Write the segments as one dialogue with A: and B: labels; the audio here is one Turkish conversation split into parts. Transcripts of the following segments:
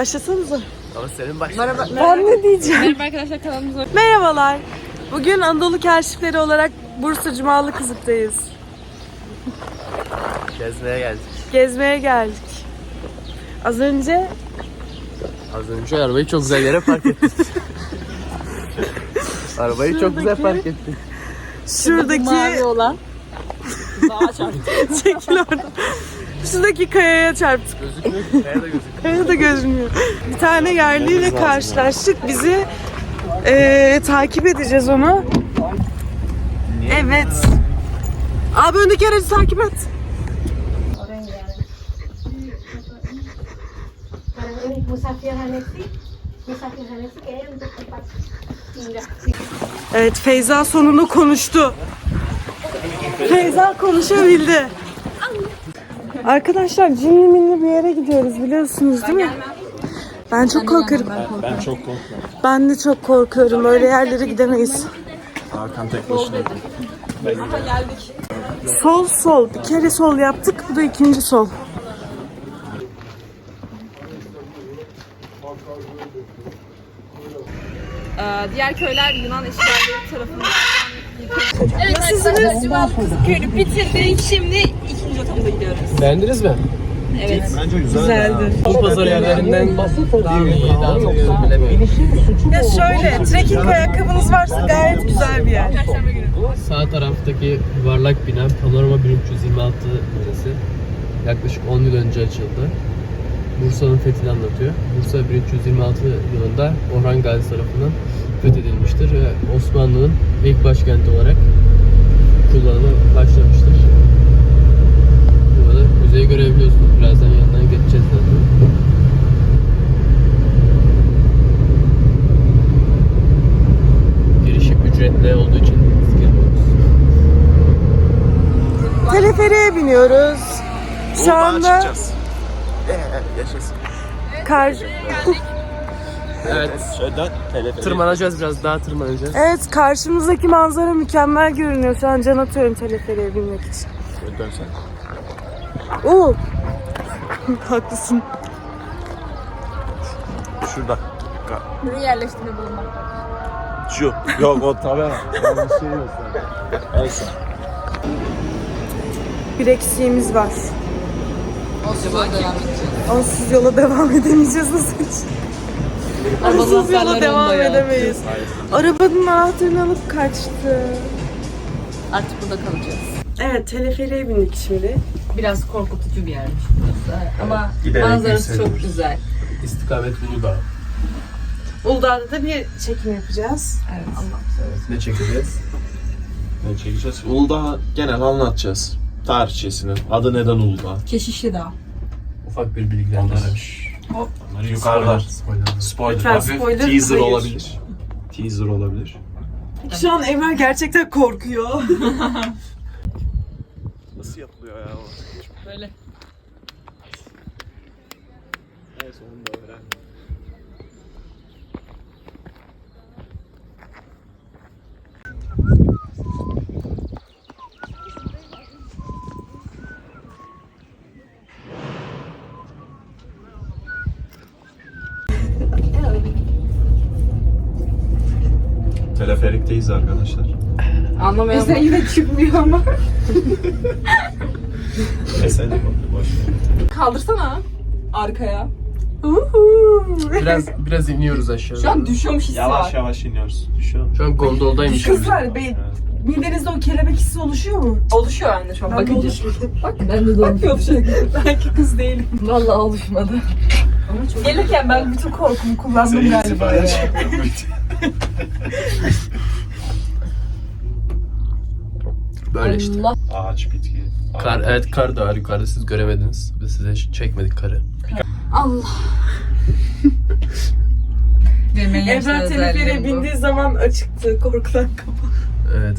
A: Başlasanıza.
B: Ama senin başla.
A: Ben ne diyeceğim?
C: Merhaba arkadaşlar, kanalımıza
A: Merhabalar. Bugün Anadolu Keşifleri olarak Bursa Cumalı Kızık'tayız.
B: Gezmeye geldik.
A: Gezmeye geldik. Az önce
B: Arabayı çok güzel yere park ettik. Arabayı çok güzel park ettik.
A: şuradaki
C: mavi olan dağa çarptı.
A: çekil oradan. Şuradaki kayaya çarptık.
B: Gözükmüyor. Nerede gözüküyor?
A: Kaya da gözükmüyor. Bir tane yerliyle karşılaştık. Bizi takip edeceğiz onu. Evet. Abi öndeki aracı takip et. Evet, Feyza sonunda konuştu. Feyza konuşabildi. Arkadaşlar cimri minli bir yere gidiyoruz biliyorsunuz değil mi? Ben çok korkarım.
D: Ben çok korkuyorum.
A: Ben de çok korkuyorum. Öyle yerlere gidemeyiz.
D: Hakan tek başına.
A: Sol sol. Bir kere sol yaptık. Bu da ikinci sol.
C: Diğer köyler Yunan işgalleri tarafından yıkıldı. Evet arkadaşlar, Cumalı Kızıkköy'ünü bitirdik. Şimdi ikinci rotamıza gidiyoruz.
B: Beğendiniz mi?
C: Evet.
D: Bence
A: Güzeldi.
B: Bu pazar yerlerinden daha iyi, daha iyi bilemiyorum.
A: Ya şöyle, trekking ayakkabınız varsa gayet güzel bir yer.
C: Perşembe günü.
B: Sağ taraftaki yuvarlak bina Panorama 1326 müzesi. Yaklaşık 10 yıl önce açıldı. Bursa'nın fethini anlatıyor. Bursa 1326 yılında Orhan Gazi tarafından fethedilmiştir ve Osmanlı'nın ilk başkenti olarak kullanıma başlamıştır. Burada müzeyi görebiliyorsunuz. Birazdan yanından geçeceğiz zaten. Girişi ücretli olduğu için biz girmiyoruz.
A: Teleferiğe biniyoruz. Şu anda
D: Yaşasın.
B: Evet.
D: Şöyle telefon.
B: Tırmanacağız, biraz daha tırmanacağız.
A: Evet, karşımızdaki manzara mükemmel görünüyor. Şu an can atıyorum teleferiğe binmek için.
D: Şöyle dönsen.
A: Oo. Haklısın.
D: Şurada.
C: Buraya yerleştiğinde bulunmak.
D: Şu. Yok o tabii. Ben bir şey yok zaten. Neyse.
A: Bir eksiğimiz var. Onsuz yola devam edemeyeceğiz nasıl hiç? Onsuz yola devam edemeyiz. Arabanın anahtarını alıp kaçtı.
C: Artık burada kalacağız.
A: Evet, teleferiğe bindik şimdi.
C: Biraz korkutucu bir yermiş burası. Ama
D: giderek
C: manzarası çok
D: yükseliyoruz.
C: güzel.
B: İstikamet Uludağ.
A: Uludağ'da da bir çekim yapacağız.
C: Evet.
B: Ne çekeceğiz?
D: Ne çekeceğiz? Uludağ genel anlatacağız. Tarihçesini. Adı neden Uludağ?
C: Keşişli Dağ.
B: Ufak bir bilgilendirme.
D: Onları yukarıda. Spoiler.
A: Lütfen
D: Hafif
A: spoiler,
D: teaser
A: hayır.
D: olabilir. Teaser olabilir.
A: Şu an Emrah gerçekten korkuyor.
D: Nasıl yapılıyor ya o?
C: Böyle.
D: En sonunda öğrendim. Teleferikteyiz arkadaşlar.
C: Anlamayan sen yine çıkmıyor ama.
D: Neyse boş ver.
C: Kaldırsana arkaya.
B: Biraz iniyoruz aşağı.
C: Şu an düşüyormuş hissi
D: Yavaş
C: var.
D: yavaş iniyoruz. Düşüyor mu?
B: Şu an gondoldaymış.
A: Kızlar, midenizde o kelebek hissi oluşuyor mu?
C: Oluşuyor anne şu an bakınca. Bak
A: Ben de oluşuyor. Belki kız değilim.
C: vallahi oluşmadı.
A: Gelirken ben bütün korkumu kullandım galiba ya.
B: Böyle işte.
C: Allah.
D: Ağaç, bitki.
B: Kar, evet kar da var yukarıda, siz göremediniz. Biz size çekmedik karı.
C: Allah.
A: Emrah teleferiğe bindiği zaman açıktı. Korkudan kapalı.
B: Evet.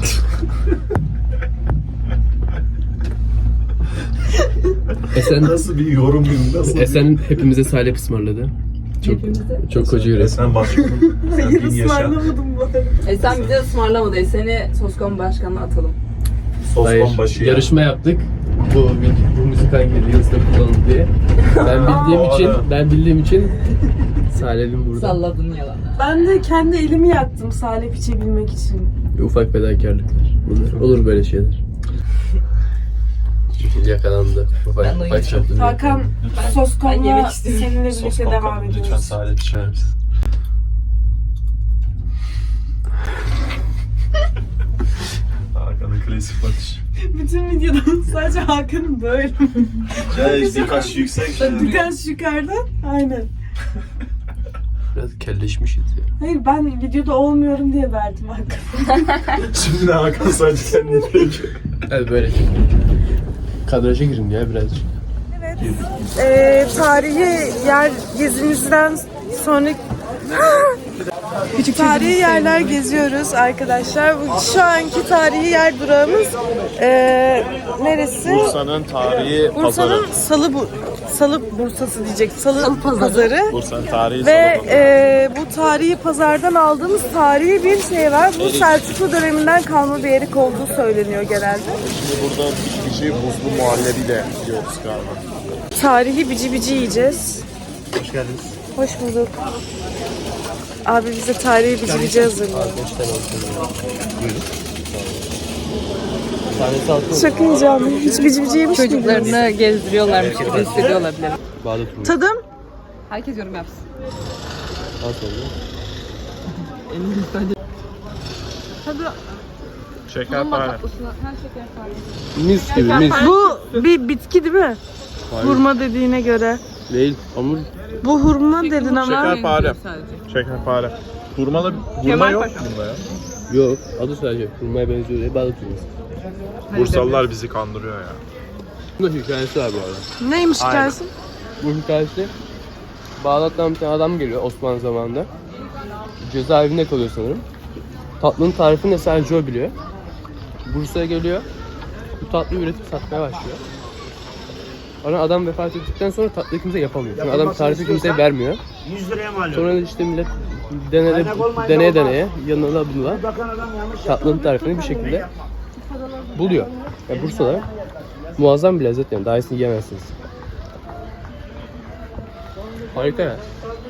B: Esen,
D: Nasıl bir yorum gibi? Nasıl
B: Esen hepimize salep ısmarladı. Çok koca yürek.
D: Sen başkanım. Sen
A: Hayır,
D: bin yaşa.
A: ısmarlamadım bu arada.
C: Sen bize ısmarlamadı. Seni Soskon Başkanı'na atalım.
D: Osman başı ya.
B: Yarışma yaptık. Bu müzik hangi Reels'te kullanıldı diye. Ben bildiğim için Salih'im burada.
C: Salladın yalan.
A: Ben de kendi elimi yaktım salep içebilmek için.
B: Ufak fedakarlıklar. Bunlar. Olur böyle şeyler. Yakalandı. Ufak çaplı bir
A: Hakan sos
C: Ben
A: konma
C: yemek istiyorum.
A: seninle
D: Sos
A: birlikte
D: kalkalım.
A: devam
D: Lütfen
A: ediyoruz.
D: salep içer misin? Hakan'ın klasik bakış.
A: Bütün videoda sadece Hakan'ın böyle.
D: Birkaç yüksek.
A: Birkaç yukarıdan. Aynen.
B: Biraz kelleşmişiz ya.
A: Hayır ben videoda olmuyorum diye verdim Hakan'a.
D: Şimdi de Hakan sadece kendini çekiyor.
B: Evet böyle. Kadraja girin ya birazcık.
A: Tarihi yer gezimizden sonra tarihi yerler geziyoruz arkadaşlar. Şu anki tarihi yer durağımız neresi?
D: Bursa'nın tarihi
A: Bursa'nın
D: pazarı.
A: Salı Bursası diyecek. Salı pazarı.
D: Bursa'nın tarihi
A: Ve
D: salı pazarı.
A: bu tarihi pazardan aldığımız tarihi bir şey var. Bu Selçuklu döneminden kalma bir erik olduğu söyleniyor genelde.
D: Şimdi burada bici buzlu muhallebiyle yiyoruz galiba.
A: Tarihi bici bici yiyeceğiz.
D: Hoş geldiniz.
A: Hoş bulduk. Abi bize tarihi bici bici hazırlıyor.
B: Buyurun. Tanesi altı.
A: Çok heyecanlı. Hiç bici bici yemiş miydiniz?
C: Çocuklarını gezdiriyorlarmış gibi hissediyorlar bile.
B: Bağdat Rumuz.
A: Tadım?
C: Herkes yorum yapsın.
B: Al sonra.
D: Şekerpare.
C: Her şeker var.
B: Mis gibi mis.
A: Bu bir bitki değil mi? Hurma dediğine göre.
B: Değil. Hamur.
A: Bu hurma dedin ama.
D: Şekerpare. Şekerpare. Hurma yok mu bunda ya?
B: Yok. Adı sadece hurmaya benziyor diye Bağdat Rumuz.
D: Bursalılar bizi kandırıyor ya.
B: Bunun hikayesi var bu arada.
A: Neymiş hikayesi?
B: Bu hikayesi Bağdat'tan bir tane adam geliyor Osmanlı zamanında. Cezaevinde kalıyor sanırım. Tatlının tarifini de sadece o biliyor. Bursa'ya geliyor. Bu tatlıyı üretip satmaya başlıyor. Sonra adam vefat ettikten sonra tatlıyı kimse yapamıyor. Çünkü adam tarifi kimseye vermiyor.
E: 100 liraya mal
B: Sonra işte millet deneye yanına bununla tatlının tarifini bir şekilde buluyor. Yani Bursa'da muazzam bir lezzet yani. Daha iyisini yiyemezsiniz. Harika ya.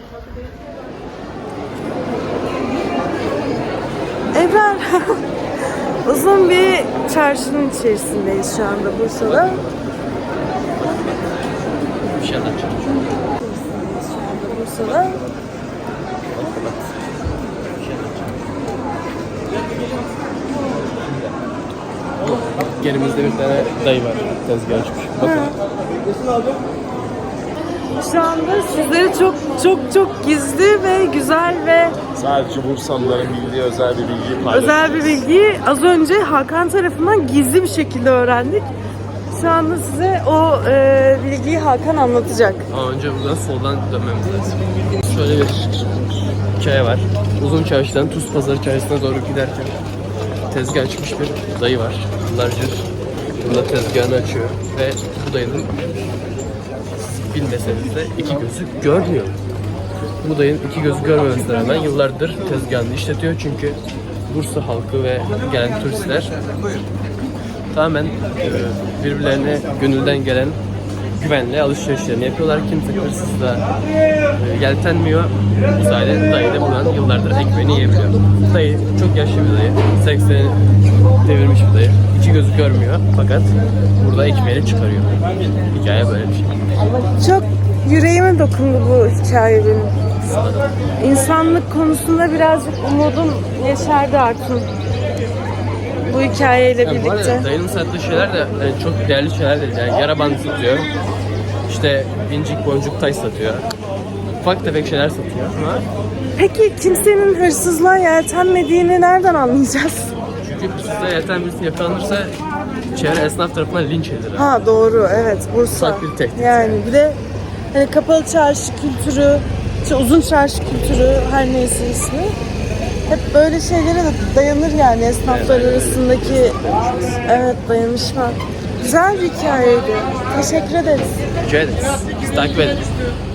A: Ebrar. Uzun bir çarşının içerisindeyiz şu anda Bursa'da.
B: Bir şey anlatacağım.
A: Bursa'da.
B: Gerimizde bir tane dayı var. Tezgah açmış. Bakın.
A: Şu anda sizlere çok gizli ve güzel ve
D: Sadece Bursalıların bildiği özel bir bilgiyi paylaşıyoruz.
A: özel bir bilgiyi az önce Hakan tarafından gizli bir şekilde öğrendik. Şu anda size o bilgiyi Hakan anlatacak.
B: Ama önce buradan soldan dönmemiz lazım. Şöyle bir hikaye var. Uzun Çarşı'dan Tuz Pazarı Çarşısı'na doğru giderken tezgah açmış bir dayı var. Yıllardır burada tezgahını açıyor ve bu dayının bilmeseniz de iki gözü görmüyor. Bu dayının iki gözü görmemesine rağmen yıllardır tezgahını işletiyor çünkü Bursa halkı ve gelen turistler tamamen birbirlerine gönülden gelen güvenle alışverişlerini yapıyorlar. Kimse hırsızla yeltenmiyor. Bu sayede dayı da buradan yıllardır ekmeğini yiyebiliyor. Dayı çok yaşlı bir dayı. 80'i devirmiş bir dayı. İki gözü görmüyor fakat burada ekmeğini çıkarıyor. Hikaye böyle bir şey.
A: Çok yüreğime dokundu bu hikaye benim. İnsanlık konusunda birazcık umudum yeşerdi artık. Bu hikayeyle
B: Yani bu
A: birlikte.
B: arada dayının sattığı şeyler de yani çok değerli şeyler değil. Yani yara bandı satıyor. İşte incik boncuk taş satıyor. Ufak tefek şeyler satıyor ama
A: Peki kimsenin hırsızlığa yeltenmediğini nereden anlayacağız?
B: çünkü hırsızlığa yelten birisi yakalanırsa çevre esnaf tarafından linç edilir.
A: Ha doğru, evet, Bursa.
B: Ufak bir tehdit.
A: Yani bir de hani kapalı çarşı kültürü, işte uzun çarşı kültürü, her neyse ismi. Hep böyle şeylere de dayanır yani esnaflar arasındaki dayanışma. Güzel bir hikayeydi. Teşekkür ederiz.
B: Rica ederiz. Bizi takip edin.